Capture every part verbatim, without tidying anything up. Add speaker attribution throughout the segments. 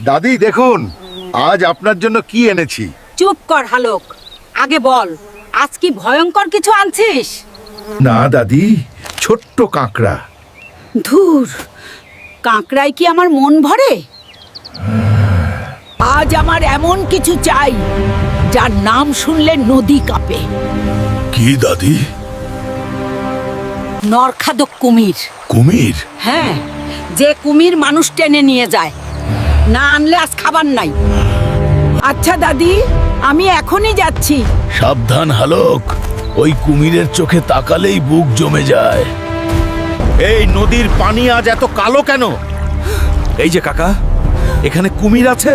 Speaker 1: দাদি দেখুন, আজ আপনার জন্য কি এনেছি।
Speaker 2: চুপ কর হালক, আগে বল আজ কি ভয়ঙ্কর কিছু আনছিস?
Speaker 1: না দাদি, ছোট্ট কাঁকড়া।
Speaker 2: ধুর, কাঁকড়ায় কি আমার মন ভরে? আজ আমার এমন কিছু চাই যার নাম শুনলে নদী কাঁপে।
Speaker 1: কি দাদি?
Speaker 2: নরখাদক কুমির।
Speaker 1: কুমির?
Speaker 2: হ্যাঁ, যে কুমির মানুষ টেনে নিয়ে যায়, না আনলে আজ খাবার নাই। আচ্ছা দাদি, আমি এখনই যাচ্ছি।
Speaker 1: সাবধান হালক, ওই কুমিরের চোখে তাকালেই বুক জমে যায়। এই নদীর পানি আজ এত কালো কেন? এই যে কাকা, এখানে কুমির আছে।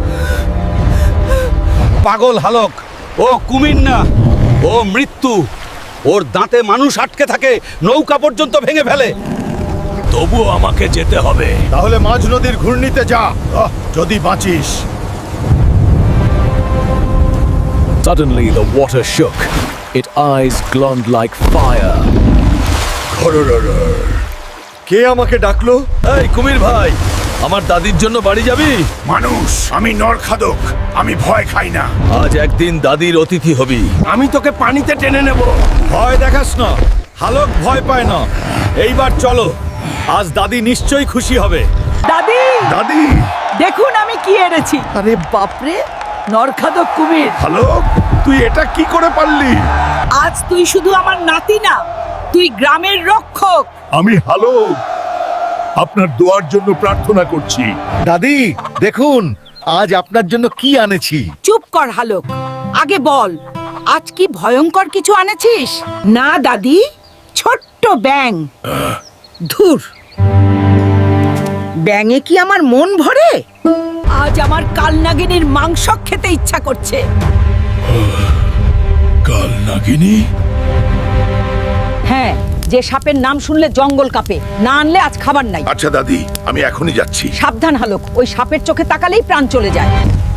Speaker 3: পাগল হালক, ও কুমির না, ও মৃত্যু। ওর দাঁতে মানুষ আটকে থাকে, নৌকা পর্যন্ত ভেঙে ফেলে।
Speaker 1: তবুও আমাকে যেতে হবে। তাহলে মাঝ নদীর ঘূর্ণিতে যা, আহ, যদি বাঁচিস।
Speaker 4: Suddenly the water shook. Its eyes glowed like fire.
Speaker 1: কে আমাকে ডাকলো?
Speaker 3: এই কুমির ভাই, আমার দাদির জন্য বাড়ি যাবি?
Speaker 1: মানুষ, আমি নরখাদক, আমি ভয় খাই না।
Speaker 3: আজ একদিন দাদির অতিথি হবি।
Speaker 1: আমি তোকে পানিতে টেনে নেব।
Speaker 3: ভয় দেখাস না, হালক ভয় পায় না। এইবার চলো, আজ দাদি নিশ্চয়ই খুশি হবে।
Speaker 2: দাদি,
Speaker 1: দাদি,
Speaker 2: দেখুন আমি কি এনেছি। আরে বাপরে, নরখাদক কুমির।
Speaker 1: হালক, তুই এটা কি করে পারলি?
Speaker 2: আজ তুই শুধু আমার নাতি না, তুই গ্রামের রক্ষক।
Speaker 1: আমি হালক, আপনার দোয়ার জন্য প্রার্থনা করছি। দাদি দেখুন, আজ আপনার জন্য কি আনেছি।
Speaker 2: চুপ কর হালক, আগে বল আজ কি ভয়ঙ্কর কিছু আনেছিস? না দাদি, ছোট্ট ব্যাং। ধুর, ব্যাঙে কি আমার মন ভরে? আজ আমার কালনাগিনীর মাংস খেতে ইচ্ছা করছে।
Speaker 1: কাল নাগিনী?
Speaker 2: হ্যাঁ, যে সাপের নাম শুনলে জঙ্গল কাঁপে, না আনলে আজ খাবার নাই।
Speaker 1: আচ্ছা দাদি, আমি এখনই যাচ্ছি।
Speaker 2: সাবধান হালক, ওই সাপের চোখে তাকালেই প্রাণ চলে যায়।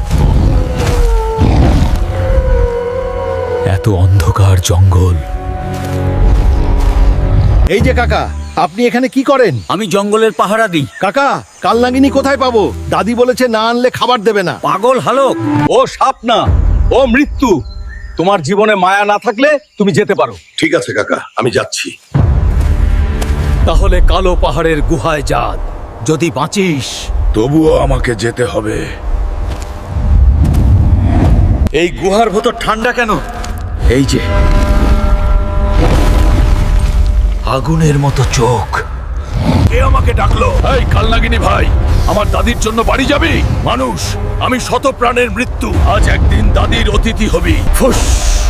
Speaker 4: এত অন্ধকার জঙ্গল।
Speaker 1: এই যে কাকা, আপনি এখানে কি করেন?
Speaker 3: আমি জঙ্গলের পাহারা দিই।
Speaker 1: কাকা, কাল নাগিনী কোথায় পাবো? দাদি বলেছে না আনলে খাবার দেবে না।
Speaker 3: পাগল হালক, ও সাপ না, ও মৃত্যু। তোমার জীবনে মায়া না থাকলে তুমি যেতে পারো।
Speaker 1: ঠিক আছে কাকা, আমি যাচ্ছি।
Speaker 3: তাহলে কালো পাহাড়ের গুহায় যা, যদি বাঁচিস।
Speaker 1: তবুও আমাকে যেতে হবে।
Speaker 3: এই গুহার ভেতর ঠান্ডা কেন?
Speaker 4: এই যে আগুনের মতো চোখ।
Speaker 1: কে আমাকে ডাকলো? এই কাল নাগিনী ভাই, আমার দাদির জন্য বাড়ি যাবি? মানুষ, আমি শত প্রাণের মৃত্যু, আজ একদিন দাদির অতিথি হবি। ফুস!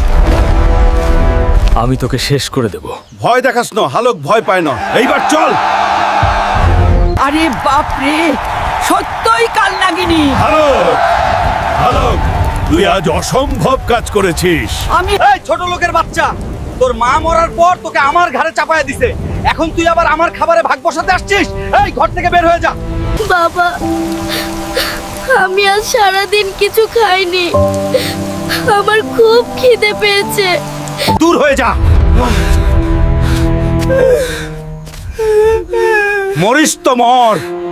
Speaker 4: আমি তোকে শেষ করে দেব।
Speaker 3: ভয় দেখাস না হালক, ভয় পায় না। এইবার চল।
Speaker 2: আরে বাপরে, সত্যই কালনাগিনী।
Speaker 1: হালক, হালক, তুই আজ অসম্ভব কাজ করেছিস।
Speaker 2: আমি
Speaker 3: এই ছোট লোকের বাচ্চা, তোর মা মরার পর তোকে আমার ঘাড়ে চাপায়া দিছে, এখন তুই আবার আমার খাবারে ভাগ বসাতে আসছিস? এই ঘর থেকে বের হয়ে যা।
Speaker 5: বাবা, আমি আজ সারাদিন কিছু খাইনি, আমার খুব খিদে পেয়েছে।
Speaker 3: দূর হয়ে যা। মরিস তো মর।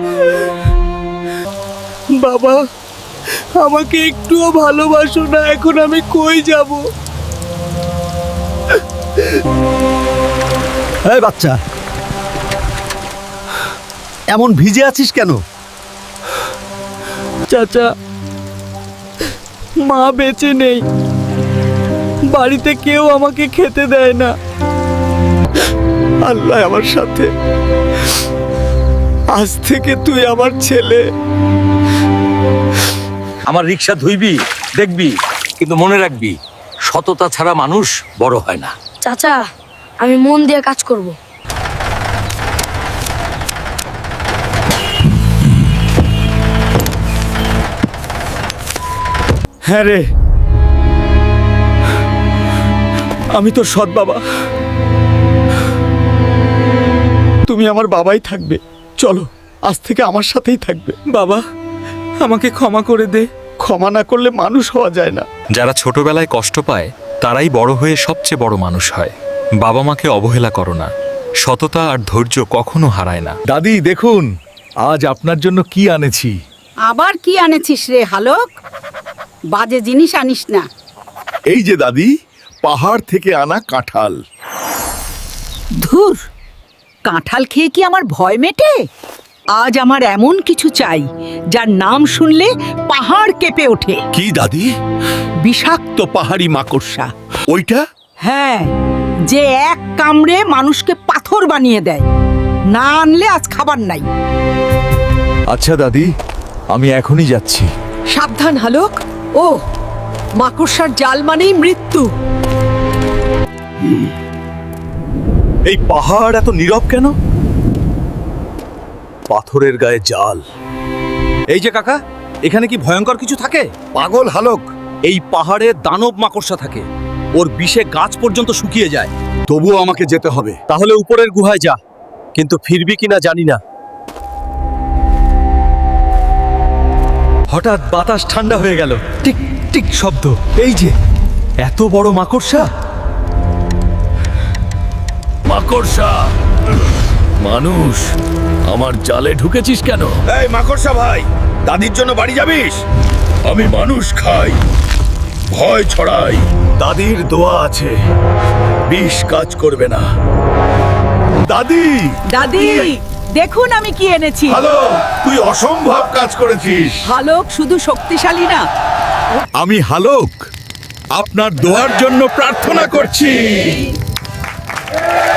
Speaker 6: বাবা, আমাকে একটুও ভালোবাসো না, এখন আমি কই যাব?
Speaker 3: এই বাচ্চা, এমন ভিজে আছিস কেন?
Speaker 6: চাচা, মা বেঁচে নেই, বাড়িতে কেউ আমাকে খেতে দেয় না। আল্লাহ আমার সাথে, আজ থেকে তুই আমার ছেলে।
Speaker 3: আমার রিক্সা ধুইবি, দেখবি, কিন্তু মনে রাখবি, সততা ছাড়া মানুষ বড় হয় না।
Speaker 5: চাচা, আমি মন দিয়ে কাজ করব।
Speaker 6: হ্যাঁ রে, আমি তোর সৎ বাবা, তুমি আমার বাবাই থাকবে। চলো, আজ থেকে আমার সাথেই থাকবে। বাবা, আমাকে ক্ষমা করে দে, ক্ষমা না করলে মানুষ হওয়া যায় না।
Speaker 7: যারা ছোটবেলায় কষ্ট পায় তারাই বড় হয়ে সবচেয়ে বড় মানুষ হয়। বাবা মাকে অবহেলা করো না, সততা আর ধৈর্য কখনো হারায় না।
Speaker 1: দাদি দেখুন, আজ আপনার জন্য কি আনেছি।
Speaker 2: আবার কি আনেছিস রে হালক? বাজে জিনিস আনিস না।
Speaker 1: এই যে দাদি, পাহাড় থেকে আনা কাঁঠাল।
Speaker 2: ধুর, কাঁঠাল খেয়ে কি আমার ভয় মেটে? আজ আমার এমন কিছু চাই যার নাম শুনলে পাহাড় কেঁপে ওঠে।
Speaker 1: কি দাদি?
Speaker 2: বিষাক্ত পাহাড়ি মাকড়সা।
Speaker 1: ওইটা?
Speaker 2: হ্যাঁ, যে এক কামড়ে মানুষকে পাথর বানিয়ে দেয়। না আনলে আজ খাবার নাই।
Speaker 4: আচ্ছা দাদি, আমি এখনই যাচ্ছি।
Speaker 2: সাবধান হালক। ও, মাকড়সার জাল মানেই মৃত্যু।
Speaker 1: এই পাহাড় এত নীরব কেন? পাথরের গায়ে জাল।
Speaker 3: এই যে কাকা, এখানে কি ভয়ঙ্কর কিছু থাকে?
Speaker 1: পাগল হালক,
Speaker 3: এই পাহাড়ে দানব মাকড়সা থাকে। ওর বিষে গাছ পর্যন্ত শুকিয়ে যায়।
Speaker 1: তবুও আমাকে যেতে হবে।
Speaker 3: তাহলে উপরের গুহায় যা, কিন্তু ফিরবি কিনা জানি না। হঠাৎ বাতাস ঠান্ডা হয়ে গেল। টিক টিক শব্দ। এই যে এত বড় মাকড়সা।
Speaker 1: মাকড়সা, মানুষ, আমার জালে ঢুকেছিস কেন? এই মাকড়সা ভাই, দাদির জন্য বাড়ি যাবিস? আমি মানুষ খাই, ভয় ছড়াই। দাদির দোয়া আছে, বিষ কাজ করবে না। দাদি,
Speaker 2: দাদি, দেখুন আমি কি এনেছি।
Speaker 1: হ্যালো, তুই অসম্ভব কাজ করেছিস।
Speaker 2: হালক শুধু শক্তিশালী না,
Speaker 1: আমি হালক, আপনার দোয়ার জন্য প্রার্থনা করছি।